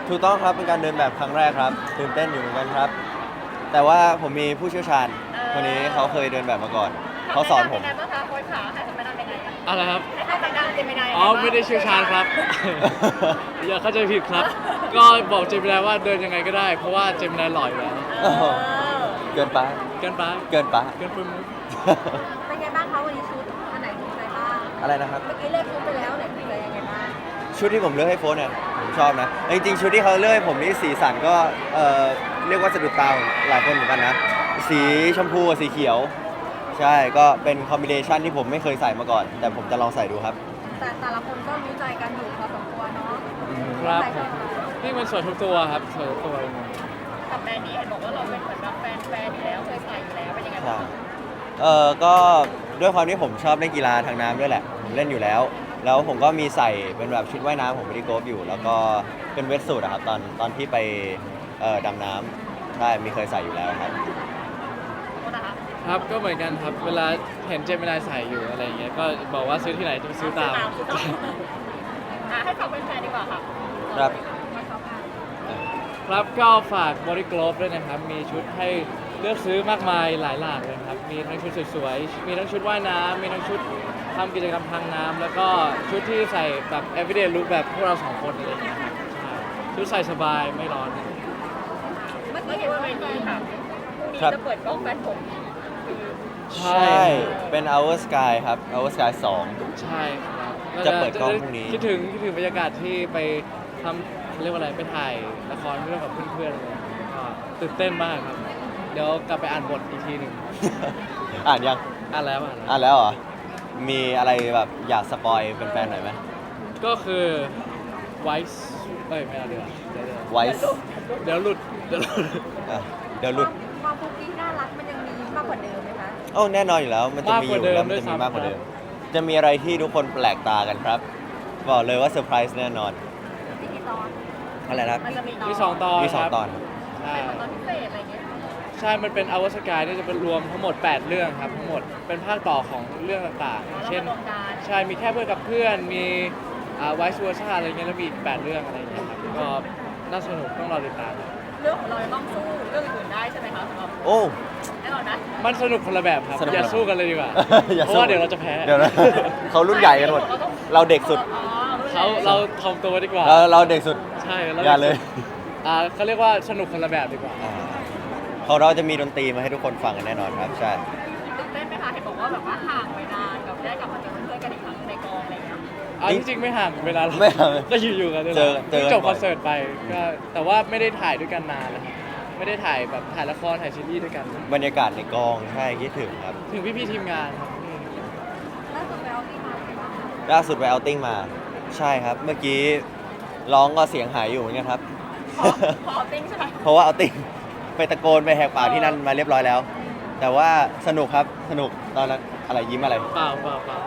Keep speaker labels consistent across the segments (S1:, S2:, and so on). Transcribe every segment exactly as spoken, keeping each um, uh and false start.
S1: ถูกต้องครับเป็นการเดินแบบครั้งแรกครับตื่นเต้นอยู่เหมือนกันครับ แต่ว่าผมมีผู้เชี่ยวชาญคนนี้เขาเคยเดินแบบมาก่อนเขาสอนผม
S2: ทำไมบ้างคะโค้ชขาให้ทำไมได้ยังไงอะ
S3: อะไรครับ
S2: ให้ทำไมได้เจมินาย
S3: อ๋อไม่ได้เชี่ยวชาญครับ อย่าเข้าใจผิดครับ ก็บอกเจมินายว่าเดินยังไงก็ได้ เพราะว่าเจมินายหล่ออยู่แล้ว
S2: เออ
S1: เกินไป
S3: เกินไป
S1: เกินไป
S3: เกินไปมุก
S2: เป็นไงบ้างคะวันนี้ชุดอันไหนถูกใจบ้าง
S1: อะไรนะครับ
S2: เมื่อกี้เลือกชุดไปแล้วไหนถูกใจยังไงบ้าง
S1: ชุดที่ผมเลือกให้โฟนเนี่ยผมชอบนะจริงๆชุดที่เขาเลือกให้ผมนี่สีสันก็เออเรียกว่าสะดุดตาของหลายคนเหมือนกันนะสีชมพูกับสีเขียว ใช่ก็เป็นคอมบิเนชันที่ผมไม่เคยใส่มาก่อน แต่ผมจะลองใส่ดูครับ
S2: แต่แต่ละคนก็รู้ใจกันอยู่พอสมควรเนาะ
S3: ครับ
S2: ใส่ชอบ
S3: นี่มันสวยทุกตัวครับสวยทุกตัวเลย
S2: กับแบรนด์นี้เห็นบอกว่าเราเป็นเหมือนแบบแฟนแฟนอยู่แล้วเคยใส่อยู่แล้วเป็นยังไง
S1: ใช่
S2: บ้าง
S1: เออก็ด้วยความที่ผมชอบเล่นกีฬาทางน้ำด้วยแหละผมเล่นอยู่แล้ว แล้วผมก็มีใส่เป็นแบบชุดว่ายน้ำของบริโกฟอยู่ แล้วก็เป็นเวทสูทอะครับตอนตอนที่ไปเอ่อดำน้ำใช่มีเคยใส่อยู่แล้วครับ
S2: โทษนะคะ
S3: ครับก็เหมือนกันครับ เวลาเห็นเจมินายใส่อยู่อะไรอย่างเงี้ย ก็บอกว่าซื้อที่ไหนจะไปซื้อตาม
S2: ซื้อตามอ่ะให้ฝากเป็นแฟนดีกว่าค่ะ
S1: ครับ
S2: มาชอบกัน
S3: ครับก็ฝากบริกรอบด้วยนะครับ มีชุดให้เลือกซื้อมากมายหลายหลากเลยครับ มีทั้งชุดสวยๆ มีทั้งชุดว่ายน้ำมีทั้งชุดทำกิจกรรมทางน้ำแล้วก็ชุดที่ใส่แบบ everyday look แบบพวกเราสองคนอะไรอย่างเงี้ยครับใช่ชุดใส่สบายไม่ร้อน
S2: เมื่อกี้เห็นว่าเวทีค่ะพรุ่งนี้
S1: ครับ
S2: จะเปิดกล้องแฟนผม
S3: ใช่
S1: ใช่ เป็น Our Sky ครับ Our Sky สอง
S3: ใช่ครับ
S1: จะเปิดกล้องพรุ่งนี้
S3: คิดถึงคิดถึงบรรยากาศที่ไปทำเขาเรียกว่าอะไรไปถ่ายละครเรื่องกับเพื่อนๆอะไรอย่างเงี้ยก็ตื่นเต้นมากครับ เดี๋ยวกลับไปอ่านบทอีกทีหนึ่ง
S1: อ่านยัง
S3: อ่านแล้วอ่านแล้ว
S1: อ่านแล้วเหรอ มีอะไรแบบอยากสปอยเป็นแฟนๆหน่อยไหม
S3: ก็คือไวส์เอ้ยไม่เอาดีกว่าเดี๋ยว
S1: ไวส์
S3: เดี๋ยวหลุดเดี๋ยวหลุด
S1: เดี๋ยวหลุด
S2: ความคุกกี้น่ารักมันยังมีมากกว่าเดิมไหมคะ
S1: โอ้แน่นอนอยู่แล้ว มันจะมีอยู่แล้ว มันจะมีมากกว่าเดิม จะมีอะไรที่ทุกคนแปลกตากันครับ บอกเลยว่าเซอร์ไพรส์แน่นอน
S2: มีกี่ตอน
S1: อะไรนะครับ
S2: มันจะมี
S3: มีสองตอน
S1: มีสอง
S3: ครับ
S1: ตอน
S3: ใช่
S2: เป็นตอนพิเศษอะไรเงี้ย
S3: ใช่ มันเป็นอวสกายนี่จะเป็นรวมทั้งหมด แปด เรื่องครับทั้งหมดเป็นภาคต่อของเรื่องต่างๆอย่างเช่น
S2: รวมกัน
S3: ใช่ มีแค่เพื่อนกับเพื่อน มีไวซ์เวอร์ชาอะไรเงี้ย แล้วมีอีกแปดเรื่องอะไรเงี้ยครับ ก็น่าสนุกต้องรอติดตามครับ
S2: เรื่องของเรายังต้องสู้เรื่องอื่นๆได้ใช่ไหมคะสำหรับ
S1: โอ้
S2: แน่นอนนะ
S3: มันสนุกคนละแบบครับ
S1: สนุก
S3: อย่าสู้กันเลยดีกว่า
S1: อย่า
S3: เพราะ
S1: สู้
S3: ว่าเดี๋ยวเราจะแพ้
S1: เดี๋ยวนะ เขารุ่นใหญ่กันหมด เราเด็กสุด
S2: อ๋อ
S3: เขาเราทอมตัวดีกว่า
S1: เราเราเด็กสุด
S3: ใช่เรา
S1: อย่าเลย
S3: อ่าเขาเรียกว่าสนุกคนละแบบดีกว่า
S1: อ่าของเราจะมีดนตรีมาให้ทุกคนฟังกันแน่นอนครับ ใช่
S2: ตื่นเต้นไหมคะเห็นบอกว่าแบบว่าห่างไปนานกับได้กลับมาเจอเพื่อนๆกันอีกครั้งในกองอะไรอย่างเงี้ย
S3: อ่าจริงๆไม่ห่างเวลาเรา
S1: ไม่ห่าง
S3: ก็อยู่ๆกันนี่แห
S1: เจ
S3: ละ
S1: อเจอกัน
S3: จบ
S1: บ่
S3: ค
S1: อย
S3: อนเสิร์ตไปก็แต่ว่าไม่ได้ถ่ายด้วยกันนานแล้วครับไม่ได้ถ่ายแบบถ่ายละครถ่ายซีรีส์ด้วยกัน
S1: บรรยากาศในกองใช่คิดถึงครับ
S3: ถึงพี่ๆทีมงานครับ
S2: ล่าสุดไปเอาที่มาเป็นว่า
S1: ล่าสุดไปเอาติ้งมา ใช่ครับ เมื่อกี้ร้องก็เสียงหายอยู่เหมือนกันครับ
S2: พอพอติ้งใช่ไหม
S1: เพราะว่าเอาติ้งไปตะโกนไปแหกปากที่นั่นมาเรียบร้อยแล้ว แต่ว่าสนุกครับสนุกตอนนั้นอะไรยิ้มอะไร
S3: เปล่าเปล่าเปล่า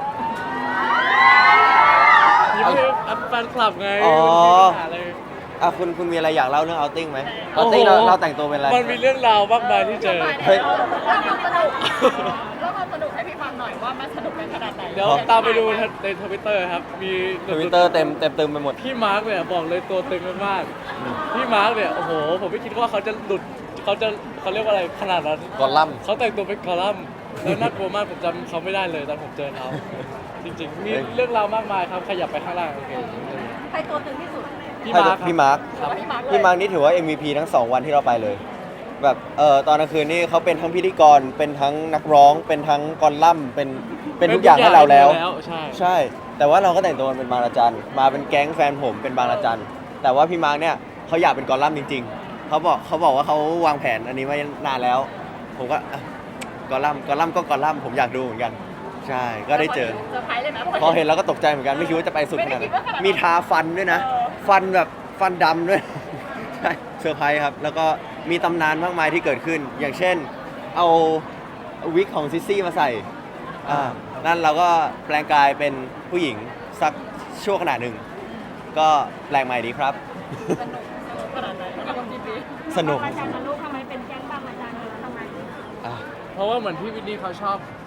S3: ยิ้มให้แฟนคลับไง
S1: อ๋อ
S3: ไม่มีปัญหาอะไร
S1: อ่ะคุณคุณมีอะไรอยากเล่าเรื่องเอาติ้งไหมเอาติ้งเรา
S3: โอ้โห
S1: เราแต่งตัวเป็นอะไร
S3: มันมีเรื่องราวมากมายที่เจอ
S1: เฮ้ย
S2: เล่าความสนุกเล่าความสนุกให้พี่ฟังหน่อยว่ามันสนุกกันขนาดไหน
S3: เดี๋ยวตามไปดูในทวิตเตอร์ครับ มี
S1: ทวิตเตอร์เต็มเต็มเต็มไปหมด
S3: พี่มาร์กเนี่ยบอกเลยตัวตึงมากๆพี่มาร์กเนี่ยโอ้โหผมไม่คิดว่าเขาจะหลุดเขาจะเขาเรียกว่าอะไรขนาดนั้น
S1: กอลัมน์
S3: เขาแต่งตัวเป็นกอลัมน์แล้วน่ากลัวมากผมจำเขาไม่ได้เลยตอนผมเจอเขาจริงๆ มีเรื่องราวมากมายครับขยับไปข้างล่างโอเค
S2: ใครตัวตึงที่สุด
S3: พี่มาร์ค
S1: พี่มาร์ค
S3: ครับ
S2: พี่มาร์คเลย
S1: พี่มาร์คนี่ถือว่า เอ็ม วี พี ทั้งสองวันที่เราไปเลย แบบเออตอนกลางคืนนี่เขาเป็นทั้งพิธีกรเป็นทั้งนักร้อง เป็นทั้งกอลัมน์เป็นเป็นทุกอย่างให้เราแล้ว
S3: ใช่
S1: ใช่ แต่ว่าเราก็แต่งตัวเป็นบางระจันมาเป็นแก๊งแฟนผมเป็นบางระจันแต่ว่าพี่มาร์คเนี่ยเขาอยากเป็นกอลัมน์จริง ๆเขาบอกเขาบอกว่าเขาวางแผนอันนี้มานานแล้ว ผมก็อ่ะกอลัมน์กอลัมน์ก็กอลัมน์ผมอยากดูเหมือนกัน ใช่ก็ได้เจอ
S2: เซอร์ไพรส์เลยนะ
S1: พอเห็นแล้วก็ตกใจเหมือนกันไม่คิดว่าจะไปสุดขนาด
S2: ไม่
S1: นั้
S2: ได้คิดว่าขนาดนั้น
S1: นมีทาฟันด้วยนะ
S2: เออ
S1: ฟันแบบฟันดำด้วย ใช่เซอร์ไพรส์ครับ แล้วก็มีตำนานมากมายที่เกิดขึ้น อย่างเช่น เอาวิกของซิสซี่มาใส่อ่านั่นเราก็แปลงกายเป็นผู้หญิงสักชั่วขณะหนึ่ง ก็แปลงใหม่ดีครับ
S2: สนุกสนุกขนาดไหนกับทีนี้
S1: สนุก
S2: อาจารย์ลูกทำไมเป็นแก๊งบางอาจารย์ทำไม
S1: อ่ะ
S3: เพราะว่าเหมือนพี่วินนี่เขาชอบค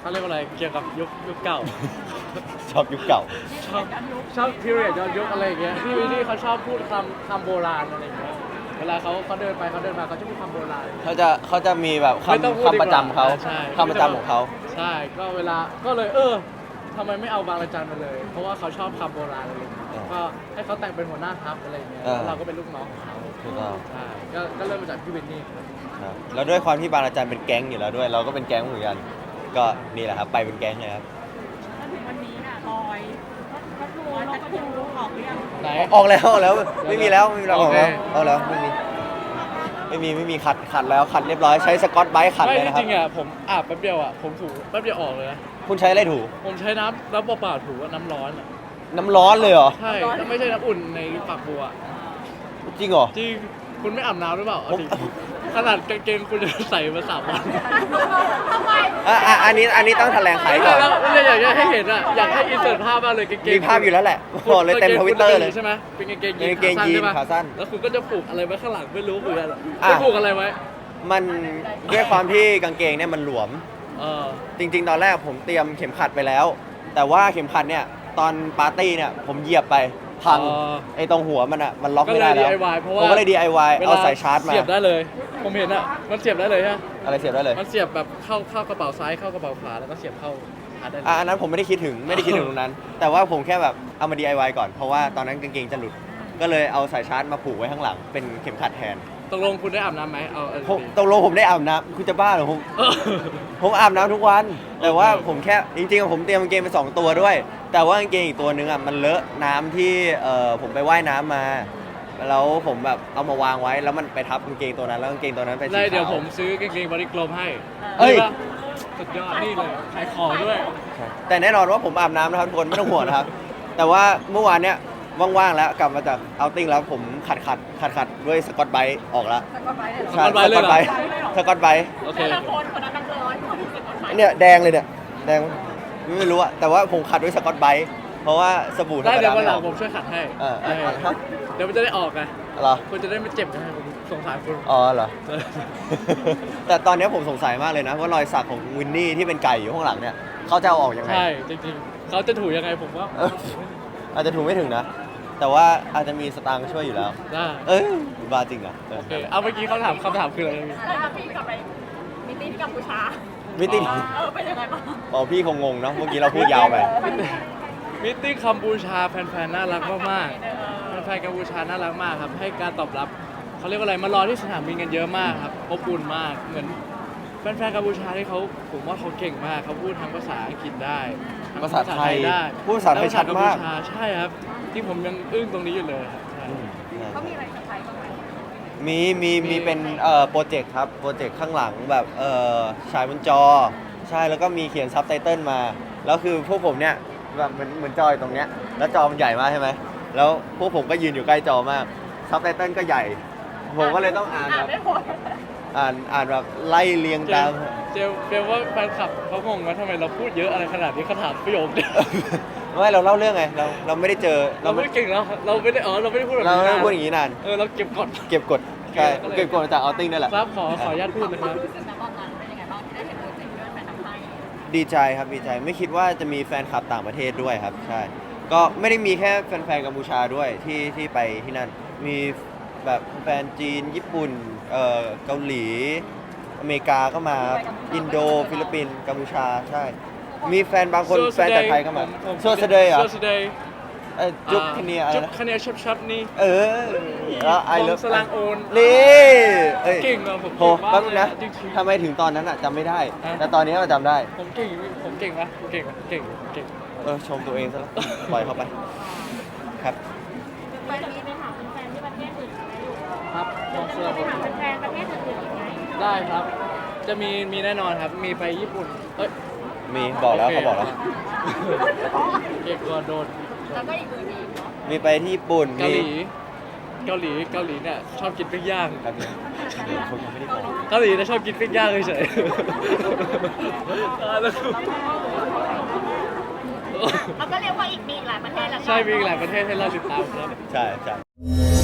S3: เขาเรียกว่าอะไรเกี่ยวกับยุคยุคเก่า
S1: ชอบยุคเก่า
S3: ชอบชอบ period ย้อนยุคอะไรอย่างเงี้ยที่ที่เขาชอบพูดคำคำโบราณอะไรอย่างเงี้ยเวลาเขาเขาเดินไปเขาเดินมาเขาจะพูดคำโบราณ
S1: เขาจะเขาจะมีแบบ
S3: ไม่ต้อง
S1: คำ
S3: พูดดีกว่า
S1: คำประจำเขา
S3: ใช่
S1: คำประจำของเขา
S3: ใช่ก็เวลาก็เลยเออทำไมไม่เอาบางระจันมาเลย เพราะว่าเขาชอบคำโบราณอะไรอย่างเงี้ย
S1: เออ
S3: ก็ให้เขาแต่งเป็นหัวหน้าทัพอะไรอย่างเงี้ย
S1: เออ
S3: แล้วเราก็เป็นลูกน้องของเขา
S1: ถูกต้อง
S3: ใช่ก็ก็เริ่มมาจากพี่วินนี่ครับ
S1: ครับแล้วด้วยความที่บางอาจารย์เป็นแก๊งอยู่แล้วด้วย เราก็เป็นแก๊งเหมือนกัน ก็นี่แหละครับไปเป็นแก๊งเลยครับ
S2: จนถึงวันนี้น่ะลอยก็ทูลอยก็ทูออกหรือยัง
S3: ไหน
S1: ออกแล้วออกแล้วไม่มีแล้วไม่มีแล้วอ
S3: โอ
S1: อก
S3: เค
S1: แล้วออกแล้วไม่มีไม่มีไม่มีขัดขัดแล้วขัดเรียบร้อยใช้สกอตไบรท์ขัด
S3: ไม่
S1: เลย
S3: จ
S1: นะครับ
S3: ริงๆอ่ะผมอาบแป๊บเดียวอ่ะผมถูแป๊บเดียวออกเลยนะ
S1: คุณใช้อะไรถู
S3: ผมใช้น้ำน้ำเปล่าๆถูว่าน้ำร้อนอ่ะ
S1: น้ำร้อนเลยเหรอ
S3: ใช่แล้วไม่ใช่น้ำอุ่นในฝักบัว
S1: จริงเหรอ
S3: จริงคุณไม่อาบน้ำหรือเปล่าเอา
S1: ผม
S3: จริงขนาดกางเกงคุณจะใส่มาสามวัน
S2: ทำไม
S1: อ่ะอ่ะอันนี้อันนี้ต้องแถลงไขก่อน
S3: แล้วแล้วอยากจะให้เห็นอ่ะอยากให้อินเสิร์ตภาพมากเลยกางเกง
S1: มีภาพอยู่แล้วแหละบอกเลยเต็มทวิตเตอร์เลย
S3: ใช่ไหมเป็นกางเกงยี
S1: เป็นกางเกงยีน
S3: น
S1: ขาสั้น
S3: แล้วคุณก็จะผูกอะไรไว้ข้างหลังไม่รู้เหมือนกัน
S1: อ่ะ
S3: ไม่ผูกอะไรไว้
S1: มันด้วยความที่กางเกงเนี่ยมันหลวม
S3: เออ
S1: จริง ๆ ตอนแรกผมเตรียมเข็มขัดไปแล้ว แต่ว่าเข็มขัดเนี่ยตอนปาร์ตี้เนี่ยผมเหยียบไปพัง
S3: อ๋อ
S1: ไอ้ตรงหัวมันอ่ะมันล็อก
S3: ก็
S1: ไม่
S3: เล
S1: ได้
S3: ย
S1: แล้ว
S3: ดี ไอ วายเพราะ
S1: ผ
S3: ว่าม
S1: ก็เลย ดี ไอ วาย เอาสายชาร์จมา
S3: เสียบได้เลย ผมเห็นอ่ะมันเสียบได้เลยฮะ
S1: อะไรเสียบได้เลย
S3: มันเสียบแบบเข้าเข้ากระเป๋าซ้ายเข้ากระเป๋าขวาแล้วก็เสียบเข้าชาร์จได้เลย
S1: อ่ะอันนั้นผมไม่ได้คิดถึงไม่ได้คิดถึงตรงนั้น แต่ว่าผมแค่แบบเอามา ดี ไอ วาย ก่อนเพราะว่าตอนนั้นกางเกงจะหลุด ก็เลยเอาสายชาร์จมาผูกไว้ข้างหลังเป็นเข็มขัดแทน
S3: ตกลงคุณได้อาบน้ำไหมเอาเอา
S1: ผม
S3: ดี
S1: ตกลงผมได้อาบน้ำคุณจะบ้าเหรอผม
S3: เออ
S1: ผมอาบน้ำทุกวัน แต่ว่า
S3: โอเค
S1: ผมแค่จริงๆผมเตรียมกางเกงไปสองตัวด้วย แต่ว่ากางเกงอีกตัวนึงอ่ะมันเลอะน้ำที่เอ่อผมไปว่ายน้ำมา แล้วผมแบบเอามาวางไว้แล้วมันไปทับกางเกงตัวนั้นแล้วกางเกงตัวนั้นเป็นสี
S3: ได้
S1: ขาว
S3: เดี๋ยวผมซื้อกางเกงบอดี้กลมให้
S1: เอ้ย
S3: ดีปะสุดยอดนี่เลยขายของด้วย
S1: แต่แน่นอนว่าผมอาบน้ำนะครับทุกคนไม่ต้องห่วงนะครับ แต่ว่าเมื่อวานเนี้ยว่างๆแล้วกลับมาจากเอาติ้งแล้วผมขัดขัดขัดขัดด้วยสกอตไบรท์ออกแล้ว
S2: สกอตไบรท์เลยเหรอ
S1: ใช่
S3: สกอตไบรท์เลยเหรอ
S1: สกอตไบรท์
S3: โอเค
S2: แต่ละคนคนนั้นนักร้อยคนนี้สกอตไบรท์
S1: เนี่ยแดงเลยเนี่ยแดงไม่รู้อะแต่ว่าผมขัดด้วยสกอตไบรท์เพราะว่าสบู่ธร
S3: ได้
S1: รม
S3: เดี๋ย
S1: ดาว
S3: วัน
S1: ไม่
S3: ห
S1: อ
S3: ลั
S1: อง ก
S3: ผมช่วยขัดให้
S1: เออ
S3: เออ
S1: ฮะ
S3: เดี๋ยวมันจะได้ออกไง
S1: เหรอ
S3: คุณจะได้ไม่เจ็บนะผมสงสารคุณ
S1: อ๋อเหรอ แต่ตอนนี้ผมสงสัยมากเลยนะว่ารอยสักของวินนี่ที่เป็นไก่อยู่ข้างหลังเนี่ยเขาจะเอาออกยังไง
S3: ใช่จริงๆเขาจะถูยังไงผมว่า
S1: เอออาจจะถูกไม่ถึงนะ แต่ว่าอาจจะมีสตางค์ช่วยอยู่แล้ว
S3: ได้
S1: เอ้ยบ้าจริงอ่ะเออ
S3: โอเคเอาเมื่อกี้เขาถามคำถามคืออะไรนะพี่
S2: แล้วพี่กลับไปมิตติ้งที่กัมพูชา
S1: มิติ
S2: เออเป็นยังไงบ้าง
S1: อ๋อพี่คงงงเนาะเมื่อกี้เราพูดยาวไป
S3: มิตติ้งกัมพูชาแฟนๆน่ารักมาก
S2: เออ
S3: ๆแฟนๆกัมพูชาน่ารักมากครับให้การตอบรับเขาเรียกว่าอะไรมารอที่สนามบินกันเยอะมากครับอบอุ่นมากเหมือนแฟนๆกัมพูชาที่เขาผมว่าเขาเก่งมากเขาพูดทั้งภาษาอังกฤษได้ทั้ง
S1: ภาษาไทย
S3: ได้
S1: พูดภาษาไทยชัดมาก
S3: แล้วภษกัพูชใช่ครับ ที่ผมยังอึ้งตรงนี้อยู่เลยครับใช่
S2: เขามีอะไรเซอร์ไพรส์บ้างไหม
S1: มีมี
S3: มี
S1: มีเป็นเอ่อโปรเจกต์ครับโปรเจกต์ข้างหลังแบบเอ่อฉายบนจอ ใช่แล้วก็มีเขียนซับไตเติลมาแล้วคือพวกผมเนี่ยแบบเหมือนเหมือนจอยตรงเนี้ยแล้วจอมันใหญ่มากใช่ไหมแล้วพวกผมก็ยืนอยู่ใกล้จอมากซับไตเติลก็ใหญ่ ผมก็เลยต้องอ่าน
S2: อ่า
S1: แบ
S2: น
S1: บ
S2: ไม่หมด
S1: อ่านอ่านแบบไล่เรียง
S3: เจ
S1: ตาม
S3: ลเจลเจลว่าแฟนคลับเขางงว่าทำไมเราพูดเยอะอะไรขนาดนี้เขาถามประโยคเดียว
S1: ไม่เราเล่าเรื่องไงเราเราไม่ได้เจอ
S3: เราไม่ได้เก่งแล้วเราไม่ได้อ๋อเราไม่ได้พูดแบบ
S1: เรา
S3: นี้
S1: ไม่ได้
S3: นะ
S1: พูดอย่างนี้นาน
S3: เออเราเก็บกด
S1: เก็บกดใช่
S3: ก็เลย
S1: เก็บกดมาจากเอาติ้งนั่นแหละ
S3: ครับขอขออนุญาตพูดเลยครับ
S2: รู้สึกนะตอนนั้นเป็นยังไงบ้างที่ได้เห็นโปรเจกต์ที่แฟนทำให้
S1: ดีใจครับดีใจไม่คิดว่าจะมีแฟนคลับต่างประเทศด้วยครับใช่ก็ไม่ได้มีแค่แฟนๆกัมพูชาด้วยที่ที่ไปที่นั่น มีแบบแฟนจีนญี่ปุ่นเอ่อเกาหลี อเมริกาก็มาอินโดฟิลิปปินส์กัมพูชาใช่ มีแฟนบางคนแฟนจากไทยก็มาโซสเดย์เหรอ
S3: โซสเดย์
S1: เอ้ยจุ๊บคเนียอะไร
S3: จุ๊บ
S1: นะ
S3: คเนียชับชับนี่
S1: เออแล้วไอเลิฟ
S3: สลางโอน
S1: นี่เอ้ย
S3: เก่งอะผม
S1: โห
S3: เก่งมาก
S1: แป๊บนึงนะ
S3: เลยอะจริงๆ
S1: ทำไมถึงตอนนั้นอะจำไม่ได้
S3: ฮะ
S1: แต่ตอนนี้มันจำได้
S3: ผมเก่งผมเก่งปะผมเก่งปะเก่งเก่ง
S1: เออชมตัวเองซะแล้วปล่อยเข้าไปครับ
S2: ไปมีไปถามแฟนที่ประเทศอื่นไหมลูก
S3: ครับมองเสื้อ
S2: ไป
S3: ผม
S2: ถามแฟนประเทศอื่นอีกไหม
S3: ได้ครับ จะมีมีแน่นอนครับ มีไปญี่ปุ่นเอ้ย
S1: มีบอกแล้ว
S3: โค
S1: เขาบอกแล้ว
S3: เก่งกว่าโดน
S2: แล้วก็อีกอื่นอีกเนาะ
S1: มีไปที่ญี่ปุ่น
S3: เกาหลี
S1: มี
S3: เกาหลีเกาหลีเนี่ยชอบกินปิ้งย่าง
S1: ครับเดี๋ยวเขายังไม่ได้บอก
S3: เกาหลีเนี่ยชอบกินปิ้งย่างเฉยๆตายแล้วกู
S2: แล้วก็เรียกว่าอีกมีอีกหลายประเทศแล้ว
S3: ใช่มีอีกหลายประเทศให้เราติดตามครับ
S1: ใช่ใช่